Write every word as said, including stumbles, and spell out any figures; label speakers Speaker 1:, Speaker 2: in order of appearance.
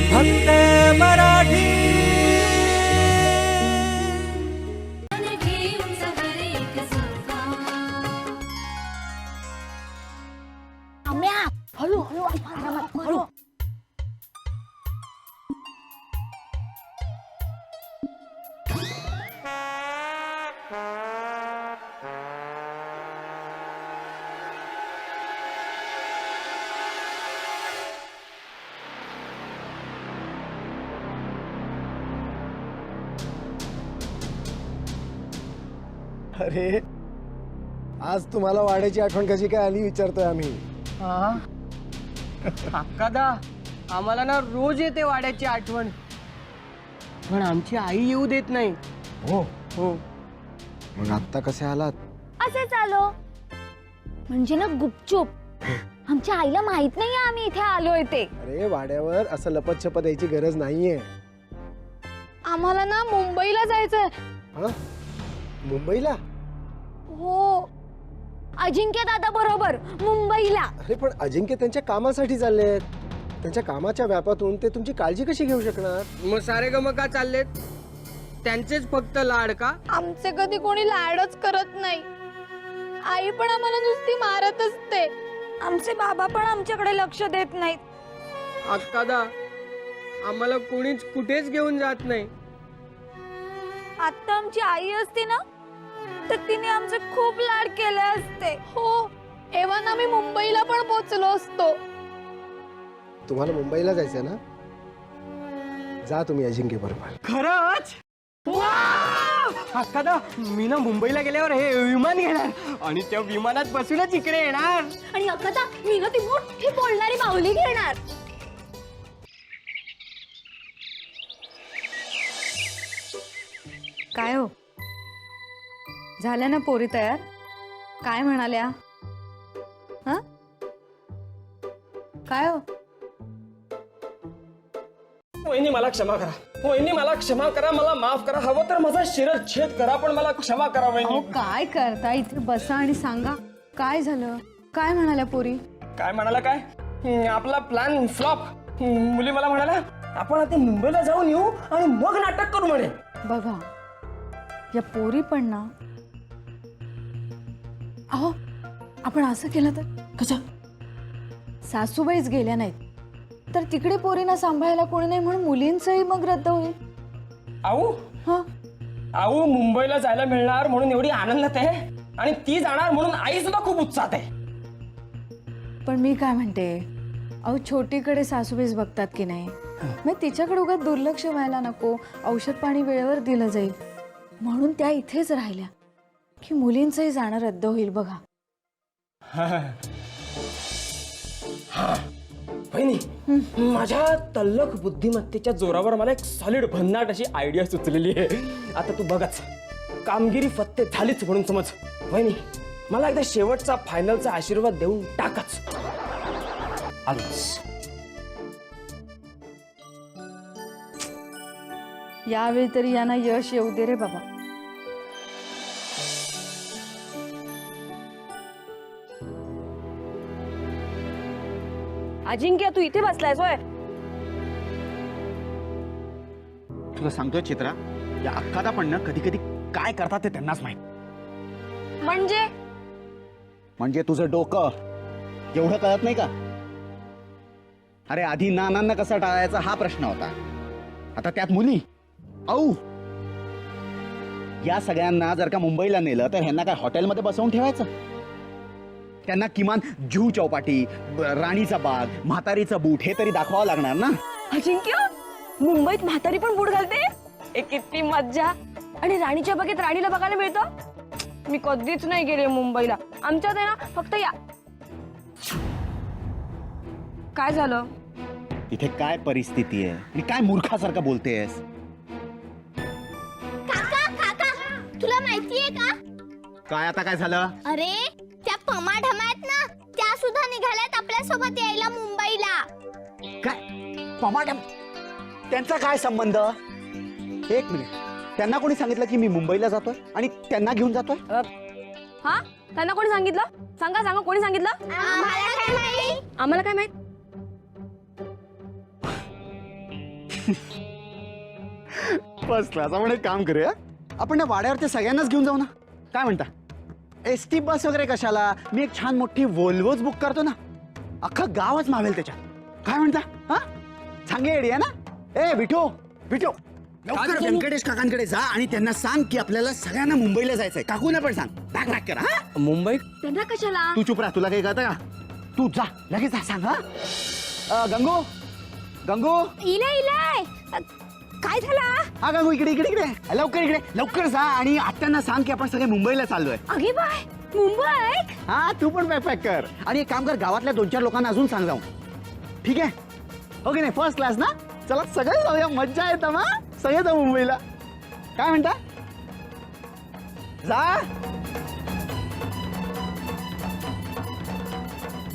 Speaker 1: फक्त मराठी।
Speaker 2: हळू हळू हळू हळू
Speaker 3: अरे आज तुम्हाला वाड्याची आठवण कशी काय आली विचारतोय आम्ही।
Speaker 4: अक्कादा आम्हाला ना रोज येते वाड्याची आठवण, पण आमची आई येऊ देत नाही।
Speaker 3: हो
Speaker 4: हो
Speaker 3: मग आता कसे आलात?
Speaker 2: असेच आलो म्हणजे ना गुपचूप। आमच्या आईला माहित नाही आम्ही इथे आलोय ते।
Speaker 3: अरे वाड्यावर असं लपत छपत यायची गरज नाहीये।
Speaker 2: आम्हाला ना मुंबईला जायचंय।
Speaker 3: हा मुंबईला?
Speaker 2: हो अजिंक्य दादा बरोबर मुंबईला।
Speaker 3: अरे पण अजिंक्य त्यांच्या कामासाठी चाललेत, त्यांच्या कामाच्या व्यापातून ते तुमची काळजी कशी घेऊ शकणार?
Speaker 4: मग सारे गम का चाललेत? त्यांचेच फक्त लाड का?
Speaker 2: आमचे कधी कोणी लाडच करत नाही। आई पण आम्हाला नुसती मारत असते। आमचे बाबा पण आमच्याकडे लक्ष देत नाहीत।
Speaker 4: अक्कादा आम्हाला कोणीच कुठेच घेऊन जात नाही।
Speaker 2: आता आमची आई असती ना तर तिने आमचे खूप लाड केले असते। हो एव्हा आम्ही मुंबईला पण पोहोचलो असतो।
Speaker 3: तुम्हाला मुंबईला जायचंय ना? जा तुम्ही अजिंक्य बरोबर।
Speaker 4: खरंच? अक्कादा मी ना मुंबईला गेल्यावर हे विमान घेणार आणि त्या विमानात बसूनच इकडे येणार।
Speaker 2: आणि अकदा मी ना ती मोठी बोलणारी माऊली घेणार।
Speaker 5: काय हो झाल्या ना पोरी तयार? काय म्हणाल्या? हा काय हो?
Speaker 6: वहिनी मला क्षमा करा, वहिनी मला क्षमा करा, मला माफ करा, हवं तर माझा शिरच्छेद करा पण मला क्षमा करा
Speaker 5: अहो
Speaker 6: वहिनी।
Speaker 5: काय करता? इथे बसा आणि सांगा काय झालं? काय म्हणाल्या पोरी?
Speaker 6: काय म्हणाला? काय हम्म, आपला प्लॅन फ्लॉप। मुली मला म्हणाला आपण आता मुंबईला जाऊन येऊ आणि मग नाटक करू म्हणे।
Speaker 5: बघा या पोरी पण ना, अहो आपण असं केलं तर
Speaker 6: कसं?
Speaker 5: सासूबाईच गेल्या नाहीत तर तिकडे पोरींना सांभाळायला कोणी नाही म्हणून मुलींचंही मग रद्द होईल।
Speaker 6: आऊ
Speaker 5: हा
Speaker 6: आऊ मुंबईला जायला मिळणार म्हणून एवढी आनंदात आहे आणि ती जाणार म्हणून आई सुद्धा खूप उत्साहात आहे।
Speaker 5: पण मी काय म्हणते, अहो छोटीकडे सासूबाईच बघतात की नाही, मग तिच्याकडे उगाच दुर्लक्ष व्हायला नको। औषध पाणी वेळेवर दिलं जाईल म्हणून त्या इथेच राहिल्या की मुलींचंही जाणं रद्द होईल। बघा
Speaker 6: वहिनी माझ्या तल्लख बुद्धिमत्तेच्या जोरावर मला एक सॉलिड भन्नाट अशी आयडिया सुचलेली आहे। आता तू बघच कामगिरी फत्ते झालीच म्हणून समज। वहिनी मला एकदा शेवटचा फायनलचा आशीर्वाद देऊन टाकच। आलोच।
Speaker 5: यावेळी तरी यांना यश येऊ दे रे बाबा।
Speaker 2: अजिंक्य तू इथे बसलायस होय?
Speaker 7: तुला सांगतोय चित्रा, या अक्कादा पण ना कधी कधी काय करतात ते त्यांनाच माहित।
Speaker 2: म्हणजे
Speaker 7: म्हणजे तुझं डोकं एवढं कळत नाही का? अरे आधी नानांना कसा टाळायचा हा प्रश्न होता, आता त्यात मुली। औ या सगळ्यांना जर का मुंबईला नेलं तर ह्यांना काय हॉटेलमध्ये बसवून ठेवायचं? त्यांना किमान जुहू चौपाटी, राणीचा बाग, म्हातारीचा बूट हे तरी दाखवावं लागणार ना।
Speaker 2: अजिंक्य मुंबईत म्हातारी पण बूट घालते? ए किती मज्जा। आणि राणीच्या बागेत राणीला बघायला मिळतं? मी कधीच नाही गेले मुंबईला। आमच्यात आहे ना फक्त या। काय झालं?
Speaker 7: इथे काय परिस्थिती आहे आणि काय मूर्खासारखं बोलतेस?
Speaker 8: काका काका तुला माहितीये का?
Speaker 7: काय आता काय झालं?
Speaker 8: अरे त्या पमा ढमात ना त्या सुद्धा निघाल्यात आपल्या सोबत यायला मुंबईला।
Speaker 7: काय पमाडम? त्यांचा काय संबंध? एक मिनिट, त्यांना कोणी सांगितलं की मी मुंबईला जातोय आणि त्यांना घेऊन जातोय?
Speaker 2: हा त्यांना कोणी सांगितलं? सांगा सांगा कोणी सांगितलं?
Speaker 8: आम्हाला काय माहिती?
Speaker 2: आम्हाला काय माहित?
Speaker 7: First class. आपण एक काम करूया, आपण त्या वाड्यावरती सगळ्यांनाच घेऊन जाऊ ना. काय म्हणता? एस टी बस वगैरे कशाला, मी एक छान मोठी वोल्वोच बुक करतो ना, अख्खं गावच मावेल त्याच्यात. काय म्हणता? हा चांगली आयडिया ना. ए बिठो बिठो, लवकर व्यंकटेश काकांकडे जा आणि त्यांना सांग की आपल्याला सगळ्यांना मुंबईला जायचंय. काकूना पण सांग, बॅग पॅक करा. हा
Speaker 6: मुंबईत
Speaker 2: त्यांना कशाला?
Speaker 7: तू चुप राहा, तुला काही कळतं का? तू जा, लगेच जा, सांग. हा अ, गंगू गंगू
Speaker 8: इलाय इलाय काय झालं?
Speaker 7: हा गंगू, इकडे इकडे इकडे लवकर, इकडे लवकर जा आणि आत्यांना सांग की आपण सगळे मुंबईला चाललोय.
Speaker 8: अगे बाय मुंबई.
Speaker 7: हा तू पण बॅग पॅक कर आणि एक काम कर, गावातल्या दोन चार लोकांना अजून सांग जाऊन. ठीक आहे? ओके नाही, फर्स्ट क्लास ना. चला सगळे जाऊया, मज्जा येतं. मग सगळे जाऊ मुंबईला. काय म्हणता? जा.